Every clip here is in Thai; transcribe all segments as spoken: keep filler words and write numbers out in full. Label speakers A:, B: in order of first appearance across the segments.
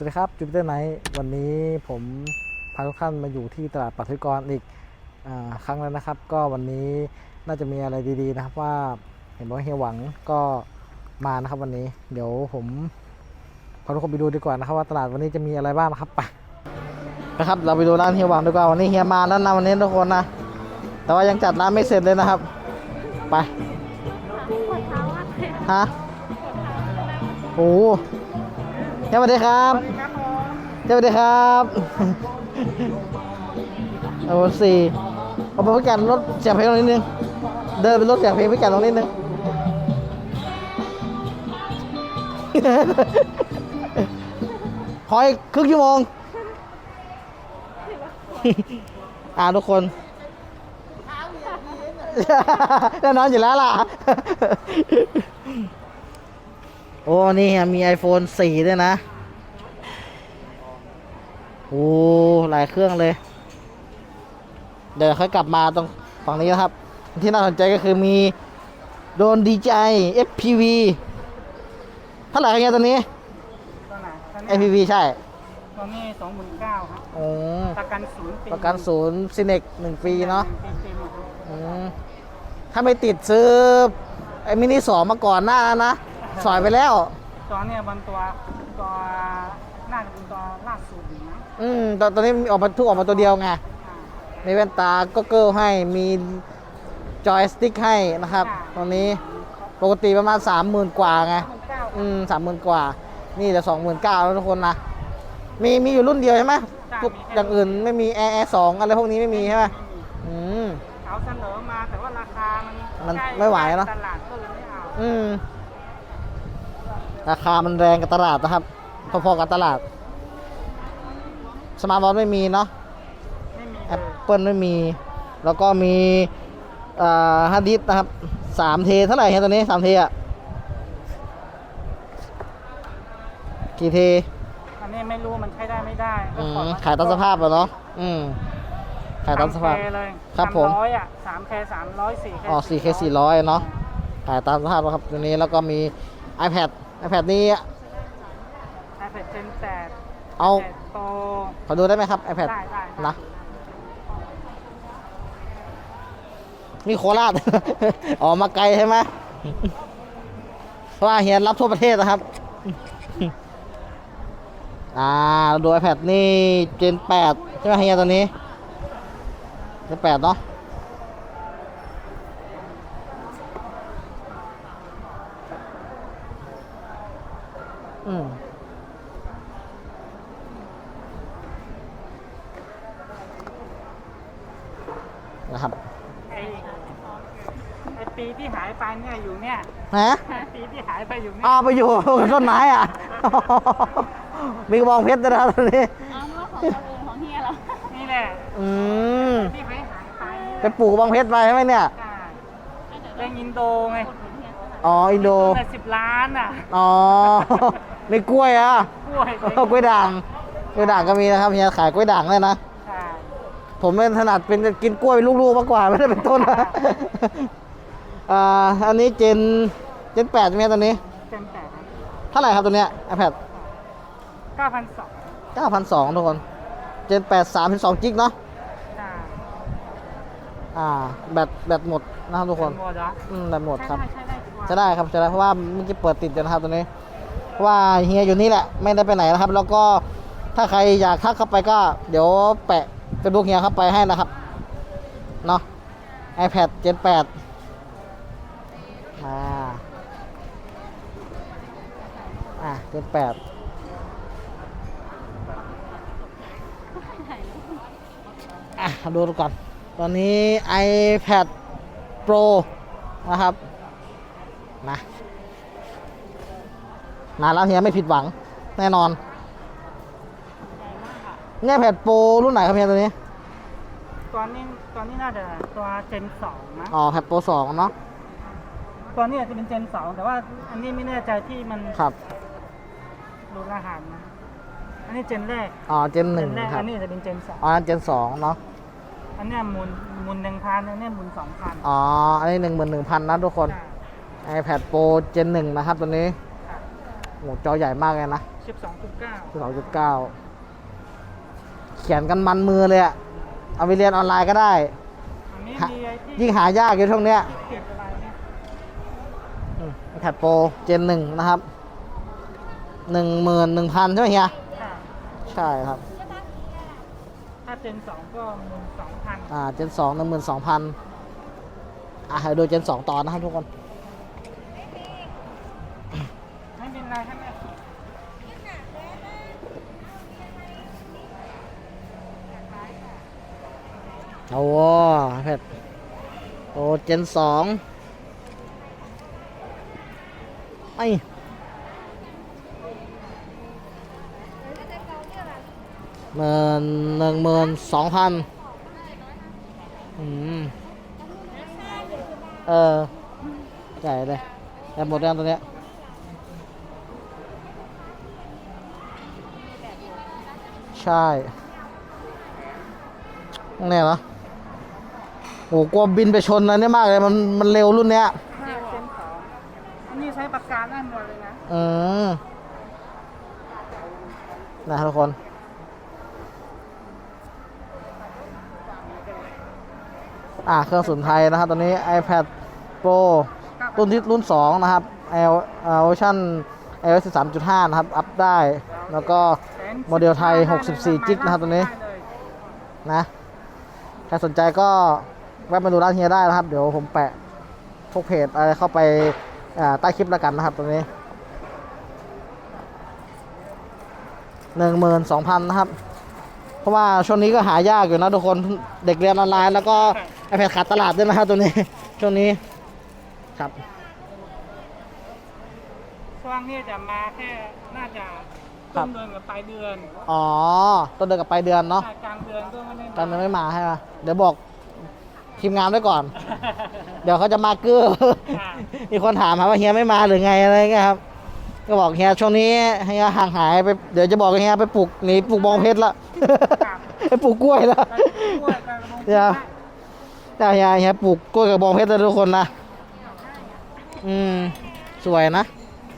A: สวัสดีครับจูปิเตอร์ไนท์วันนี้ผมพาทุกท่านมาอยู่ที่ตลาดปัทวิกรอีกครั้งแล้วนะครับก็วันนี้น่าจะมีอะไรดีๆนะครับว่าเห็นบอกว่าเฮียหวังก็มานะครับวันนี้เดี๋ยวผมพาทุกคนไปดูดีกว่านะครับว่าตลาดวันนี้จะมีอะไรบ้างนะครับไปนะครับเราไปดูร้านเฮียหวังดีกว่าวันนี้เฮียมาแล้วนะวันนี้ทุกคนนะแต่ว่ายังจัดร้านไม่เสร็จเลยนะครับไปฮะโอ้สวัสดีครับสวัสดีครับโอ้สี่เอาไปพิการรถเสียงเพลงตรงนิดนึงเดินเป็นรถเสียงเพลงพิการตรงนิดนึงขออีกครึ่งชั่วโมงอ่าทุกคนแน่นอนอยู่แล้วล่ะโอ้นี่มี ไอโฟน สี่ด้วยนะโอ้หลายเครื่องเลยเดี๋ยวค่อยกลับมาตรงฝั่งนี้นะครับที่น่าสนใจก็คือมีโดน ดี จี ไอ เอฟ พี วี เท่าไหร่กันเนี่ยตัวนี้
B: ตัวไหน
A: เอฟ พี วี ใช่
B: ตัวนี้สองหมื่นเก้าครับ
A: โอ้
B: ประกันศูนย์ปี
A: ประกันศูนย์ซินเน็กหนึ่งปีเนาะ
B: ปีหมดเลย
A: ถ้าไม่ติดซื้อไอ้มินิสองมาก่อนหน้านะสอยไปแล้ว
B: ตัวเนี่ยบนตัวตัวน่าจะเป็นตัวล่าสุดนะ
A: อืมตอนตอนนี้ออกมาทุกออกมาตัวเดียวไงมีแว่นตาก็เกิลให้มีจอยสติ๊กให้นะครับตรงนี้ปกติประมาณสามหมื่นกว่าไงอืมสามหมื่นกว่านี่เหลือสองหมื่นเก้าแล้วทุกคนนะมีมีอยู่รุ่นเดียวใช่ไหมทุกอย่างอื่นไม่มีแอร์สองอะไรพวกนี้ไม่มีใช่ไหมอืม
B: เขาเสนอมาแต่ว่าราคามัน
A: มันไม่ไหวเนาะ
B: ตลาดก็เลยไม่เอา
A: อืมราคามันแรงกับตลาดนะครับพอๆกับตลาดสมาร์ทวอทไม่มีเนาะแอปเปิลไม่มีแล้วก็มีฮาร์ดดิสก์นะครับสามเทเท่าไหร่ครับตัวนี้สามเทอ่ะกี่เท
B: อันนี้ไม่รู้มันใช้ได้ไม่ได้
A: ขายตามสภาพเหรอเนาะอืมขายตามสภาพ
B: เลย
A: ครับผม
B: ร้อยอ่ะสามเคสามร้อยสี่เค
A: อ๋อสี่เคสี่ร้อยเนาะขายตามสภาพครับตัวนี้แล้วก็มี iPad iPad นี้
B: iPad เจนแปด
A: เอา
B: โต
A: ขอดูได้ไหมครับ iPad
B: ได้ได้
A: นะมีโคราช ออกมาไกลใช่ไหมเพราะว่าเฮียรับทั่วประเทศนะครับ อ่าดู iPad นี่เจนแปดใช่ไหมเฮียตัวนี้เจนแปดเนาะอืมนะครับ
B: ไอไอปีที่หายไปเนี่ยอยู่เนี่ย
A: ฮะ
B: ปีที่หายไปอยู่เนี่ย
A: อ้าวไปอยู่กับต้นไม้อ่ะ มีกระบองเพชรด้วยนะครับตอนนี้
C: อ้าวของตัวเองของเฮียเหรอ
B: นี่แหละ
A: อืม
B: ที่หายหายไป
A: ไปปลูกกระบองเพชรไปใช่ไหมเนี่ย
B: เล่นอินโดไง
A: อ๋ออินโด
B: สิบล้านอ่ะ
A: อ๋อมีกล้วยอ่ะ
B: กล้วย
A: กล้วยด่างกล้วยด่างก็มีนะครับเฮียขายกล้วยด่างเลยนะผมเป็นถนัดเป็นกินกล้วยลูกๆมากกว่าไม่ได้เป็นต้นนะอ่าอันนี้เจนเจนแปดใช่ไหมตอนนี้
B: เจนแปด
A: เท่าไหร่ครับตัวเนี้ย iPad
B: เก้าพันสอง
A: เก้าพันสองทุกคนเจนแปดสามเป็นสองจิกเนาะอ่าแบตแบตหมดนะครับทุกคนอืมแบตหมดครับจะได้ครับจะได้เพราะว่าเมื่อกี้เปิดติดอยู่นะครับตัวนี้เพราะว่าเฮียอยู่นี่แหละไม่ได้ไปไหนนะครับแล้วก็ถ้าใครอยากทักเข้าไปก็เดี๋ยวแปะเป็นลูกเฮียเข้าไปให้นะครับเนาะ iPad เจนแปดอ่าอ่าเจนแปดอ่ะดูก่อนตอนนี้ iPad Pro นะครับนะนานแล้วเฮียไม่ผิดหวังแน่นอนเนี่ย iPad Pro รุ่นไหนครับเฮียตัวนี้
B: ตัวนี้ตัวนี้น่าจะตัวเจนสองนะ
A: อ๋อ iPad Pro สองเนาะ
B: ตัวนี้อาจจะเป็นเจนสองแต่ว่าอันนี้ไม่แน่ใจที่มัน
A: ครับ
B: ดูรหัสนะอันนี้เจนแรก
A: อ๋อเจนหนึ่งครับ
B: อันนี้จะเป็นเจนสอง
A: อ๋อเจนสองเนาะ
B: อันนี้มูลมูลหนึ่งพันอันนี้มูลสองพัน
A: อ๋ออันนี้หนึ่งหมื่นหนึ่งพันนะทุกคน iPad Pro เจนหนึ่งนะครับตัวนี้โอ้จอใหญ่มากเลยนะ
B: สิบสองจุดเก้า
A: สิบสองจุดเก้าเขียนกันมันมือเลยอะเอาไปเรียนออนไลน์ก็ได้
B: อันนี้
A: หา
B: มีไอ้ที่
A: ยิ่งหายากอยู่ช่วงเนี้ย
B: เก็บอะไรเนี่ย
A: แพดโปรเจนหนึ่งนะครับหนึ่งหมื่นหนึ่งพันใช่ไหมเฮีย
B: ค่ะ
A: ใช่ครับ
B: ถ้าเจนสองก็หมื่นสองพัน
A: อ่าเจนสองหนึ่งหมื่นสองพันอ่ะให้ดูเจนสองตอนนะครับทุกคน
B: ไม่เป็นไรใช่ไหม
A: โอ้โหแพดโอ้เจนสองไอหมื่นหนึ่งหมื่นสองพันอืมเออใหญ่เลยแต่หมดแล้วตัวเนี้ยใช่เนี่ยเหรอโอ้กลัวบินไปชนอันนี้มากเลยมันมันเร็วรุ่นเนี้ย
B: ห้าเจนสองอันนี้ใช้ปากกาได้หมดเลยนะ
A: อืมนะทุกคน อ่าเครื่องสุนไทยนะครับตอนนี้ iPad Pro รุ่นที่รุ่นสองนะครับ L เวอร์ชัน ไอ โอ เอส สิบสามจุดห้า นะครับ อัพได้ แล้วก็โมเดลไทยหกสิบสี่จิกนะครับตัวนี้นะใครสนใจก็แวะมาดูร้านเฮียได้นะครับ เดี๋ยวผมแปะพวกเพจอะไรเข้าไปอ่าใต้คลิปแล้วกันนะครับตัวนี้ หนึ่งหมื่นสองพัน นะครับ เพราะว่าช่วงนี้ก็หายากอยู่นะทุกคนเด็กเรียนออนไลน์แล้วก็ iPad ขาดตลาดด้วยนะครับตัวนี้ ช่วงนี้ครับ
B: ช่วงนี้จะมาแค่น่าจะต้นเดือนกับปลายเดือน
A: อ๋อต้นเดือนกับปลายเดือนเนาะ
B: ถ้ากลางเดือนก็ไม่ได้
A: ตอนนั้นไม่มาใช่ไหมเดี๋ยวบอกทีมงานไว้ก่อน เดี๋ยวเขาจะมาเกื้อ มีคนถามหาว่าเฮียไม่มาหรือไงอะไรเงี้ยครับ ก็บอกเฮียช่วงนี้เฮียห่างหายไปเดี๋ยวจะบอกเฮียไปปลูกหนีปลูกบองเพชรละ ไปปลูกกล้วยละเดี๋ยวเดี๋ยวเฮียเฮียปลูกกล้วยกับบองเพชรแล้วทุกคนนะ อืมสวยนะ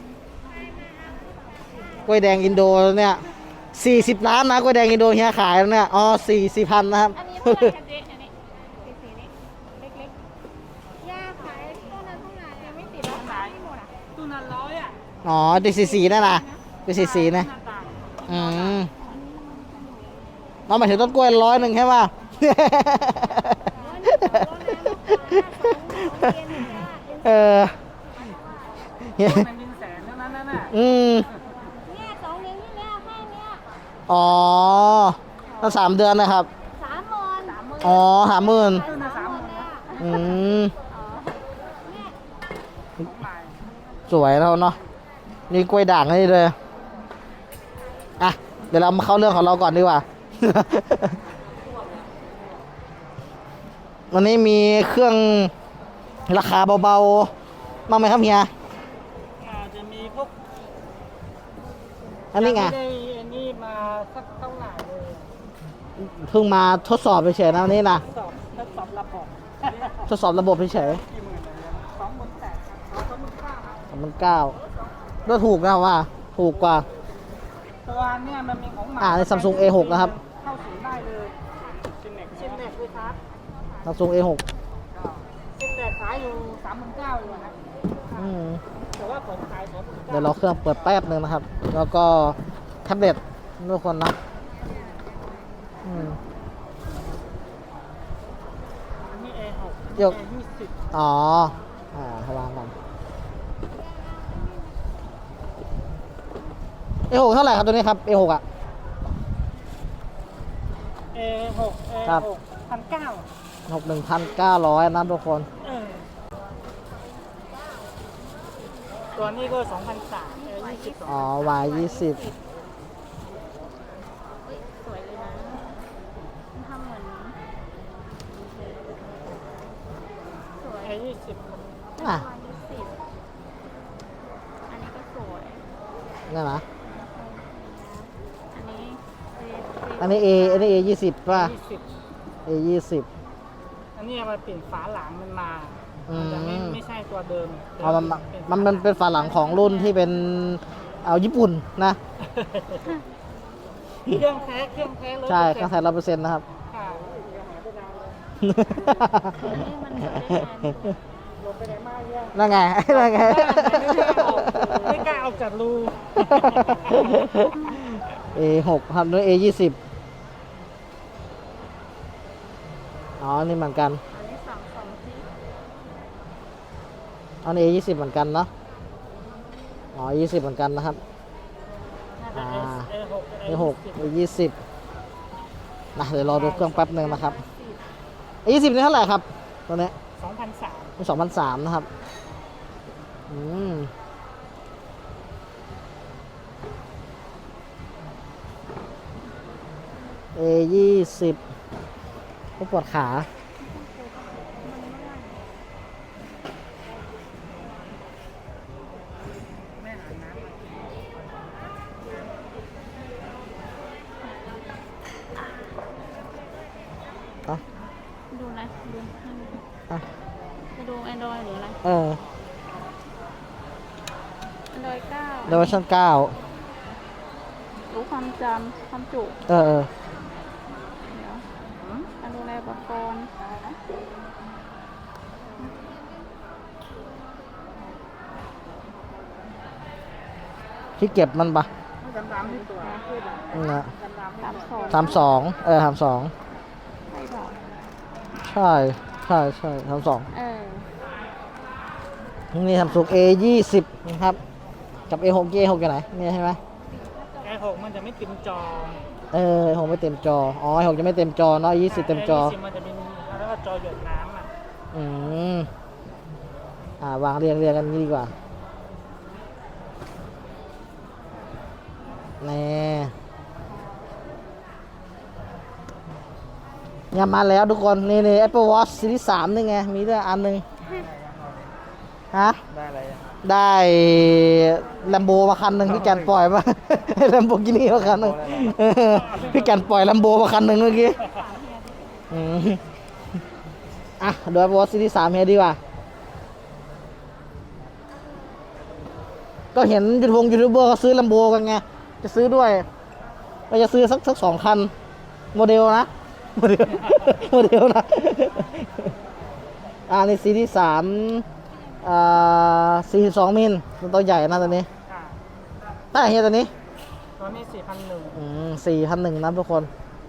A: กล้วยแดงอินโดเนี่ยสี่สิบล้านนะกล้วยแดงอินโดเฮียขายแล้วเนี่ยอ๋อสี่สี่พันนะครับ
C: อันนี้เท่าไหร่คะเจ๊อันนี้สีสีนี้เล็กๆย่าขายต้นนั้นต้นไหนยังไม่ติดราคาไม่หมดอ่ะ
B: ตู้นั้นร้อยอ่ะ
A: อ๋อดีสีสีนั่นนะดีสีสีนะ
B: หน้าต่าง
A: อืมเราหมายถึงต้นกล้วยร้อยหนึ่งใช่ป่ะ เออเฮ้ย
B: มันยินแสนเท่านั้นน่ะ
A: อืม
C: เนี่ยสองเดือนที่แล้วแค่เนี้ย
A: อ๋อตั้งสามเดือนนะครับ
C: สามหมื่นสามหมื่น
A: อ๋อหาหมื่น
B: ตู้นั้นสามหมื่น
C: เลย
B: นะ
C: อ่ะ
A: อืม
C: อ๋อเนี่ย
B: ของใหม่
A: สวยแล้วเนาะนี่กล้วยด่างนี่เลยอ่ะเดี๋ยวเรามาเข้าเรื่องของเราก่อนดีกว่า วันนี้มีเครื่องราคาเบาๆบ้างไหมครับเฮีย
B: อาจจะมีพวก
A: อันนี้ไง
B: ม่ได้อันนี้มาสักเท่าไหร่เลย
A: เพิ่งมาทดสอบเฉยๆนะวันนี้นะ
B: สอบทดสอบระบบ
A: ทดสอบระบบเฉย
B: กี่หมื่นเลยสองหมื่นแปดครับสองหมื่นเก้าครับ
A: ๆสามพันเก้าก็ถูกนะว่า ถูกกว่า
B: ตัวเนี้ยมันมีของใหม่
A: อ่าใน Samsung เอ หก นะครับ
B: เข้าศูนย์ได้เลยซินเน็กซินเน็กด้วยครับ
A: Samsung เอ หก
B: ซินเน็กขายอยู่สามหมื่นเก้าอยู่นะ
A: อืม
B: แต่ว่าผมขายสองหมื่น
A: เดี๋ยว
B: เก้า
A: เราเครื่องเปิดแป๊บหนึ่งนะครับ แล้วก็แท็บเล็ตทุกคนนะอืม
B: อันนี้ เอ หก
A: ยก
B: เอ ยี่สิบ
A: อ๋อ อ่าให้วางก่อนเอ หก เท่าไหร่ครับตัวนี้ครับ เอ หก อ่ะ
B: เอ หก เอ
A: ครับ
B: หกพันเก้า
A: หกหนึ่งพันเก้าร้อยนะทุกคน
B: เออตัวนี้ก็สองพันสามเอยี่สิบสอง
A: อ๋อ Y ยี่สิบ
C: สวยเลยนะมันทำเหมือนสวย
B: เอยี่สิบ
A: อ่ะ
C: วายยี่สิบอันนี้ก็สวย
A: นั่นนะ
C: อันนี้เซฟ
A: อันนี้ A อันนี้ A ยี่สิบป่ะ
B: ยี่สิบ
A: A ยี่สิบ
B: อันนี้มาเปลี่ยนฝาหลังมันมา
A: อืม
B: มันจะไม่ไม่ใช่ตัวเดิม
A: อ๋อมันมันมันเป็นฝาหลังของรุ่นที่เป็นเอาญี่ปุ่นนะ
B: เครื่องแท้เครื่องแท้เลย
A: ใช่กระแสร้อยเปอร์เซ็นต์นะครับ
B: ค่ะ
C: อันนี้มันเดี๋ยวได้นาน
B: ลงไปไหนมาเนี่ย
A: นั่นไง นั่นไง
B: ไม่กล้าออกจากรู
A: เอหกครับด้วย เอยี่สิบ อ๋อ นี่เหมือนกัน
C: อันนี้สองสองที่
A: อันนี้ เอยี่สิบ เหมือนกันเนาะ อ๋อ ยี่สิบ เหมือนกันนะครับ อ่า
B: เอหก
A: เอหก เอยี่สิบนะเดี๋ยวรอดูเครื่องแป๊บหนึ่งนะครับ เอยี่สิบนี่เท่าไหร่ครับ ตัวเนี้ย
B: สองพันสาม
A: เป็นสองพันสามนะครับ อืม เอยี่สิบก็ปวดขา
B: แม่หาน้ำมา
A: อ่ะ
C: ดูอะไรดูให้ดู
A: อ่ะ
C: จะดู Android หรืออะไร
A: เออ
C: Android เก้า
A: เดเวอร์ชันเก้า
C: รู้ความจำความจุ
A: เออเออ
C: เดี๋ยวการดูแลอุปกรณ์
A: ที่เก็บมันปะ
B: ดำดำที่ตัว
A: นี่นะ
C: สามสอง
A: สามสองเออสามสอง
C: ใช่บอก
A: ใช่ ใช่ใช่สามสอง
C: เออ
A: นี่ทำสุก เอยี่สิบ นะครับ กับ เอหก เอหกอยู่ไหนนี่ใช่ไหม
B: ไอหกมันจะไม่เต็มจอ
A: เออหกไม่เต็มจอ อ๋อหกจะไม่เต็มจอเนาะยี่สิบเต็มจอ
B: ไยี่สิบมันจะเป็นเรียกว่าจอหยดน้ำอ่ะ
A: อืม อ่าวางเรียงเรียงกันนี้ดีกว่าแน่เนี่ยมาแล้วทุกคน นี่นี่ Apple Watch Series สามนี่ไง มีด้วยอันหนึ่งฮะ
B: ได้อะไรอ่ะ
A: ได้แลมโบมาคันหนึ่งพี่แกนปล่อยมา แลมโบกินี่มาคันหนึ่งเออพี่แกนปล่อยแลมโบมาคันหนึ่งเมื่อกี้อืมอ่ะเดี๋ยววอซีที่สามเฮียดีกว่า ก็เห็นยูทูบยูทูบเบอร์เขาซื้อแลมโบกันไง จะซื้อด้วยก็จะซื้อสักสักสองคัน โมเดลนะ โมเดล โมเดลนะ อ่าในซีรีส์สามอ่าสี่สิบสองมิลตัวใหญ่นะตัวนี้
B: ค่ะ
A: ได้เฮียตัวนี้
B: ตัวนี้สี่พันหนึ่ง
A: อืมสี่พันหนึ่งนะทุกคน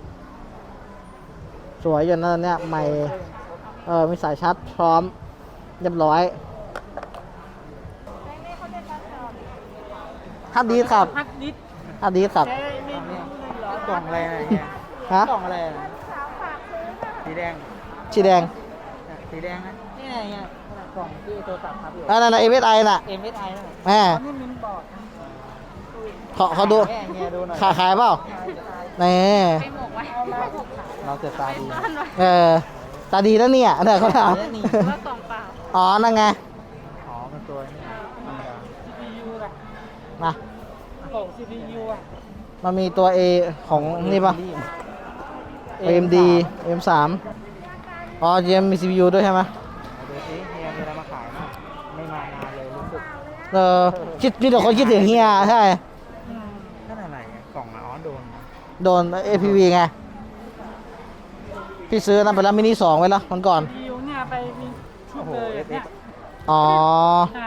A: สวยอยู่นะตัวเนี้ยใหม่ เออมีสายชาร์จพร้อม เรียบร้อยฮัดดีครับ
B: ฮัดดิส
A: ฮัดดีครับ
B: ใช้ไม่ไม่เหรอกล่องอะไรนะเนี่ย
A: ฮะ
B: กล่องอะไรนะสีแดง
A: สีแดง
B: สีแดงนะนี่ไงเนี่ยกล่องที่ตัวตัดครับอยู่
A: นั่นนั่นเอเวสไอน่ะ
B: เอ็มเอสไอนะ
A: แหม
B: ตอนนี้มินบอร์ด
A: เขาเขาดู
B: แม่เงี้ยดูหน่อย
A: ขายขายเปล่านี่
C: ไปหมกไว้
B: เราจะตาดี
C: ซ่อนไว้
A: เออตาดีแล้วเนี่ยเดี๋ยวเขาถาม
B: นี่
C: หรือว่ากล่องเปล่า
A: อ๋อ นั่นไง
B: อ๋อเป็นตัวนี้ธรรมดา ซี พี ยู ล่ะ
A: มา
B: กล่อง ซี พี ยู อ่ะ
A: มันมีตัว A ของนี่ปะ เอ็ม ดี เอ็ม สาม อ๋อยังมี ซี พี ยู ด้วยใช่ไหม
B: ดูสิเฮียมีอะไรมาขายมั้ยไม่มานานเลยรู้สึก
A: เออคิดมีแต่คนคิดถึงเฮียใช่
B: นั่นอะไรอะกล่องอะอ๋อโดน
A: โดน เอ พี วี ไง พี่ซื้อนั่นไปแล้วมินิสองไว้แล้วมันก่อน
B: ซี พี ยู เนี่ยไปมีชุดเลยเนี่ย
A: อ๋อ
B: ใช่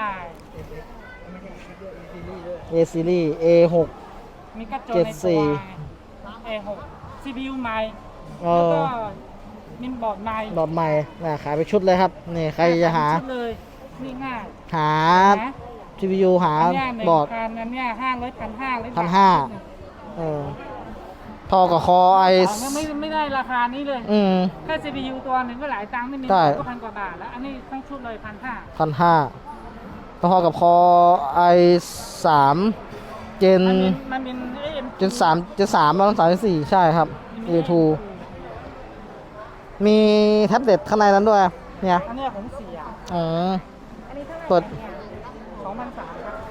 A: A ซีรีส์ เอ หก
B: มีกระจก
A: เจ็ด
B: ใน
A: สี่
B: ตัว เอ หก ซี พี ยู ใหม่
A: เอ
B: แล้ว
A: อ
B: ก็มินบอร์ดใหม่
A: ดอทใหม่น่ะขายไปชุดเลยครับ นี่ใครจะหา
B: ชุดเลยนี่ง่าย
A: หา
B: นะ
A: ซี พี ยู หา
B: อันเนี้ยหนึ่ง
A: บอร์ด
B: พันอันเนี้ยห้าร้อยพันห้าร้อย
A: พันห้า เออทอกับคอไอ
B: ไม่ไม่ไม่ได้ราคานี้เลย
A: อืม
B: แค่ ซี พี ยู ตัวหนึ่งก็หลายตังค์ไม่มี
A: ใช่
B: ก็พันกว่าบาทแล้ว อันนี้ต้องชุดเลยพันห้า
A: พันห้าพอกับคอไอสามเจน
B: มันเป็นมันเป็นเอ็ม
A: เจนสามเจนสามแล้วสามเจนสี่ใช่ครับ เอ ทู มีแท็บเล็ตข้างในนั้นด้วย เนี่ย
B: อันเนี้ยผมเสีย
A: อืมเปิด
B: สองพันสามครับ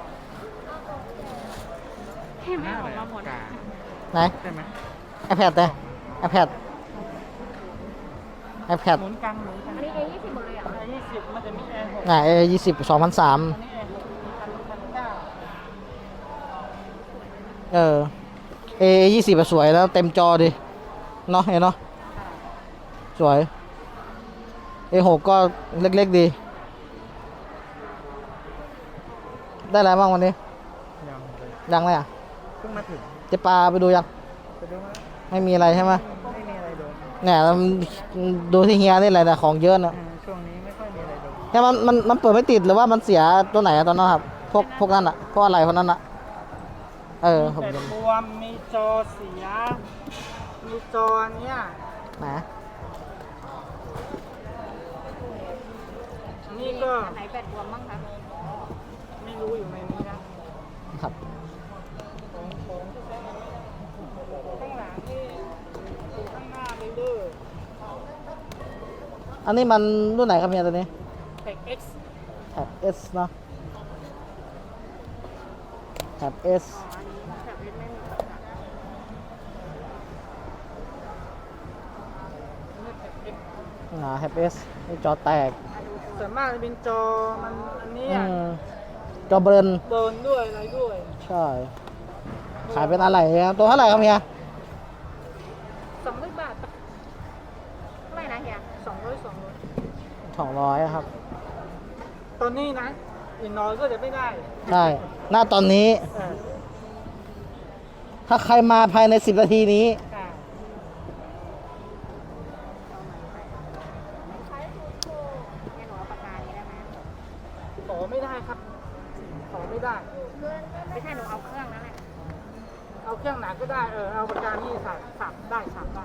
C: แค่ไม่ออกมาหมด
A: ไหน
B: ใช่ไหม
A: iPad เลย iPad iPad
B: หมุนกลางหมุนกลาง
C: อันนี้ เอ ยี่สิบหมดเลยอ่ะ
B: ไอยี่สิบมันจะมีแอร์หก
A: อ่า เอ ยี่สิบ สองพันสาม
B: อันนี้แอร์หกพันพันเก้า
A: เออ A ยี่สิบสวยแล้วเต็มจอดิเนาะเห็นเนาะสวย A หกก็เล็กๆดี ได้อะไรบ้างวันนี้
B: ยังเลย
A: ยังเลยอ่ะ
B: เพิ่งมาถึง
A: เจะปลาไปดูยัง
B: ไปดูมา
A: ไม่มีอะไรใช่ไหม
B: ไม่มีอะไรดู
A: เนี่ยเราดูที่เฮียนี่แหละนะของเยอะนะ
B: อืมช่วงนี้ไม่ค่อยมีอะไรดู
A: เนี่ยมันมันมันเปิดไม่ติดหรือว่ามันเสียตัวไหนอะตอนนั้นครับ พวกพวกนั้นอะพวกอะไรพวกนั้นอะเออผม
B: แต่
A: จะ
B: บวมมีจอเสีย มีจอเนี้ย
A: นะ
B: อันนี้ก็
C: ไหนแบตบวมบ้างคะ
B: ไม่รู้อยู่ในนี้นะครับ ของของข้างหลังนี่อยู่ข้างหน้าเลยเด้อ
A: อันนี้มันรุ่นไหนครับเฮียตัวนี้
B: เทค X
A: แท็บ S เนาะแท็บ S
C: แบบนี้ไม่มีปัญหา
B: นี่เทค X
A: อ่าแท็บ S นี่จอแตก
B: ส่วนมากจะเป็นจอมันอันนี้
A: อื
B: อ่ะ
A: มจอเบิร์น
B: เบิร์นด้วยอะไรด้วย
A: ใช่ ขายเป็นอะไรครับตัวเท่าไหร่ครับเฮีย
B: สองร้อยบาท
C: เท่าไหร่นะเฮีย
B: สองร้อยสองร้อย
A: สองร้อยครับ
B: ตอนนี้นะอีกน้อยก็จะไม่ได้
A: ใช่ หน้าตอนนี้
B: เออ
A: ถ้าใครมาภายในสิบนาทีนี้
B: อ่า
C: ใช้ทูโชเนี่ยหนูเอาปากกานี้ได้ไหม
B: ขอไม่ได้ครับ ขอไม่ได้
C: ไม่ใช่หนูเอาเครื่องนั่นแหละ
B: เอาเครื่องไหนก็ได้เออเอาปากกานี่สับสับได้สับได้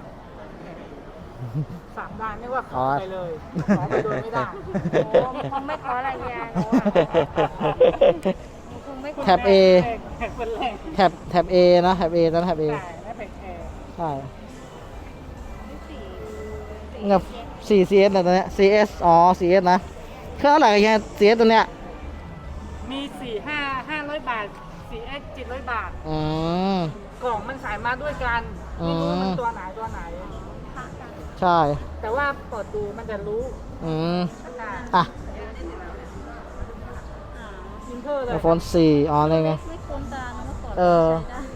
B: สับได้ไม่ว่าขอไปเลยขอไปโดยไม่ได้
C: โอ้คงไม่ขออะไรเฮียหนูอะหนูคงไม่ขอ
A: แท็บ A
B: แท็บเป็นแรก
A: แท็บแท็บ A นะแท็บ A นะแท็บ A
B: ใช่และแท็บแอร์
A: ใช่
C: สี่
A: เงียบ สี่ ซี เอส นะตัวเนี้ย ซี เอส อ๋อ ซี เอส นะเครื่องเท่าไหร่เฮีย ซี เอส ตัวเนี้ย
B: มีสี่ห้าห้าร้อยบาทสี่เอ็กเจ็ดร้อยบาท
A: อืม
B: กล่องมันใส่มาด้วยกัน ไม่รู้ว่ามันตัวไหนตัวไหน
A: ใช่
B: แต่ว่าเปิดดูมันจะรู้
A: อืม
B: อ่า
A: อ่ะ
B: อินเทอร์เลย
A: iPhone สี่ อ๋อนี่ไง
C: ไม่คุ้นตานะเมื่อก่อน
A: เออ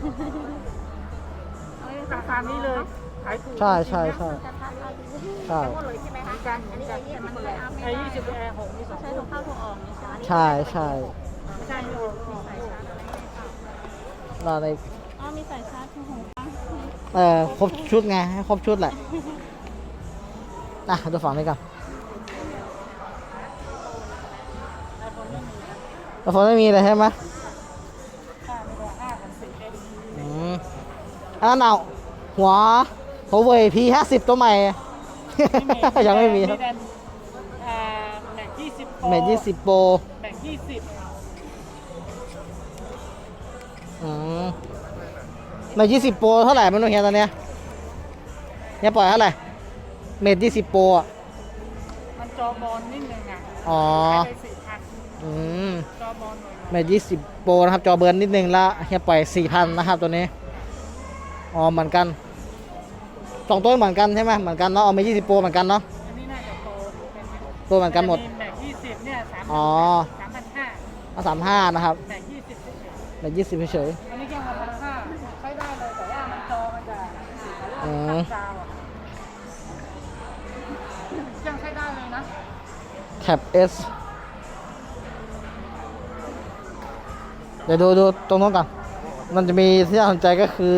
B: ราคานี้เลยขายถูก
A: ใช่ใช่ใช่
C: จะทักเอาดู
A: ใช่
C: หมดเลยใช่ไหมคะอันนี้อันนี้มันไม่อัพไม่
B: ไอ้
C: ได้
B: ยี่สิบแอร์หกมีสอง
C: ใช้
B: ลู
C: ถุ
B: ก
C: งเข้าถุงออกนี่ใช่ไหม
A: ใช่ใช่
B: ไม่ใช่มีหก
C: ใส่ชาร์จอะไรให้เปล่า
A: เราใน
C: อ๋อมีใส่ชาร์จถุงหูฟัง
A: เออครบชุดไง ให้ครบชุดแหละ อ่ะ ดูฝั่งนี้ก่อนแต่ฝนไม่มีเลยใช่ไหม
B: ห้ามีตัวห้าพันสี่เอ็ก
A: อืมอันนั้นเอาหัวหัวเว่ย พี ห้าสิบ ตัวใหม่ ยังไม่มีครับ
B: แม็กยี่สิบ
A: เมทยี่สิบโปร
B: แม็กยี่สิบ
A: อืมเมทยี่สิบโปรเท่าไหร่ไม่รู้เฮียตอนเนี้ยเนี่ยปล่อยเท่าไหร่เมทยี่สิบโปรอ่ะ
B: มันจอบอลนิดนึงอ่ะ
A: อ๋อ
B: ขายไปสี่พัน
A: อืม
B: จอบอลหน่อย
A: เมทยี่สิบโปรนะครับ จอเบิร์นนิดนึงละเฮียปล่อยสี่พันนะครับตัวนี้ อ๋อเหมือนกันสองตัวเหมือนกันใช่ไหมเหมือนกันเนาะเอาเมทยี่สิบโปรเหมือนกันเนาะ
B: อันนี้น่าจะโตเป็นไหม
A: ตัวเหมือนกันหมด
B: แม็กยี่สิบเนี่ยสาม
A: อ๋อ
B: สามพันห้า
A: เอาสามห้านะครับ
B: แม็กยี่สิบเฉย
A: เมทยี่สิบเฉย
B: ๆอันนี้แค่พันห้าใช้ได้เลยแต่ว่ามันจอมันจะ
A: อื
B: ตั
A: ม
B: ดจาวอะยังใช้ได้เลยนะ
A: แท็บ S เดี๋ยวดูดูตรงนู้นก่อนมันจะมีที่น่าสนใจก็คือ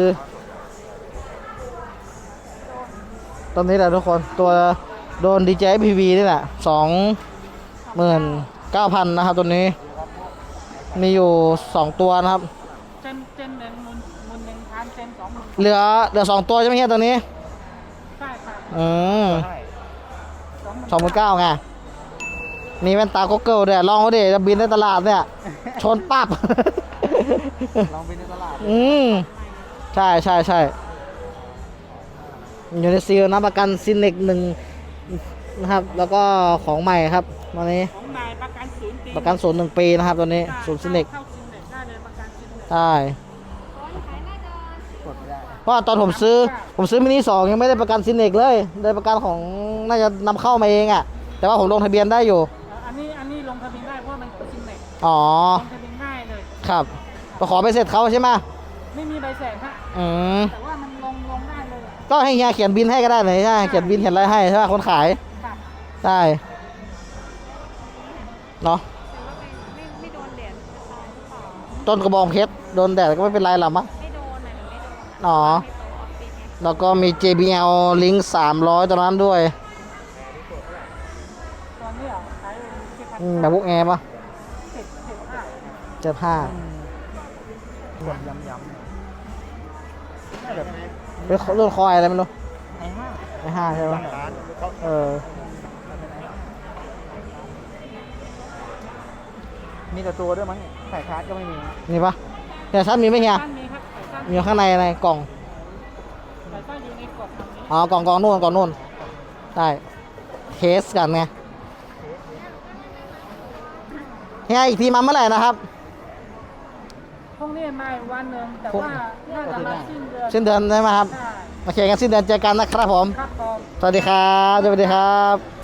A: ตรงนี้แหละทุกคนตัวโดน ดี เจ พี วี นี่แหละสองหมื่นเก้าพันนะครับตัวนี้ มีอยู่สองตัวนะครับ
B: เจนเจนหนึ่งมุนมุนหนึ่งพันเจนสองหมุน
A: เหลือเหลือสองตัวใช่ไหมเฮียตัวนี้
B: ใช่ค่ะ
A: อืม
B: สองหมื่น
A: สองหมื่นเก้าไงมีแว่นตาก็เกิลด้วยลองเขาดิจะบินในตลาดเนี่ย ชนปั๊บ
B: ลองไปในตลาด
A: อืมใช่ใช่ใช่อยู่ในซีลนะประกันซินเน็กหนึ่งนะครับ แล้วก็ของใหม่ครับวันนี้
B: ของนายประกันศูนย์ปี
A: ประกันศูนย์หนึ่งปีนะครับตัวนี้ศูนย์ซินเน็ก
B: เข้าซินเน็กได้เลยประกันซินเน็ก
A: ใช่
C: ขายหน้าจอ
B: กดไม่ได้
A: เพราะว่าตอนผมซื้อผมซื้อมินิสองยังไม่ได้ประกันซินเน็กเลยได้ประกันของน่าจะนำเข้ามาเองอะ่ะแต่ว่าผมลงทะเบียนได้อยู่
B: อันนี้อันนี้ลงทะเบียนได้เพราะว่ามันเป็นซินเน็ก
A: อ๋อ
B: ลงทะเบียนง่ายเลย
A: ครับไปขอไปเสร็จเขาใช่ไหม
B: ไม่มีใบแสนฮะ
A: อืม
B: แต่ว่ามันลงลงได้เลย
A: ก็ให้เฮียเขียนบินให้ก็ได้เลยใช่ไหมเขียนบินเขียนอะไรให้ใช่ไหมคนขาย
B: ค่ะ
A: ได้เนาะ
C: แต่ว่าไม่ไม่ไม่โดนแดดตายหรือเปล่า
A: ต้นกระบองเพชรโดนแดดก็ไม่เป็นไรหรอกมั้ง
C: ไม่โดนนะหนูไม่โดน
A: อ๋อ
C: ในโต๊ะออฟฟิศไง
A: แล้วก็มี เจ บี แอล Link สามร้อยตัวนั้นด้วย
B: ตอนนี้เหรอขายเจ็ดพัน
A: อืมแบบพวกแอร์ปะ
B: เจ็ดเจ็ดห้า
A: เจ็ดห้า
B: หมดยำยำแบบ
A: เป็นรุ่นคอยอะไรไม่รู้
B: ไอ้ห้า
A: ไอห้าใช่ปะเออ
B: มีแต่ตัวด้วยมั้งเนี่ยสายชาร์จก็ไม่มี
A: นี่ปะเฮียชัดมีไหมเฮีย
B: สั้นมีครับสายสั้น
A: มีอยู่ข้างในอะไรกล่อง
B: สายสั้นอยู่ในกล่องทางนี้
A: อ๋อกล่องกล่องนู่นกล่องนู่น ได้ เทสกันไงเฮียอีกทีมาเมื่อไหร่นะครับ
B: พรุ่งนี้มาอีกวันหนึ่งแต่ว่าน่าจะมาสิ้นเดือน
A: สิ้นเดือนใช่ไหมครับ
B: ใช่
A: โอเคงั้นสิ้นเดือนเจอกันนะครับผม
B: ครับผม
A: สวัสดีครับ สวัสดีครับ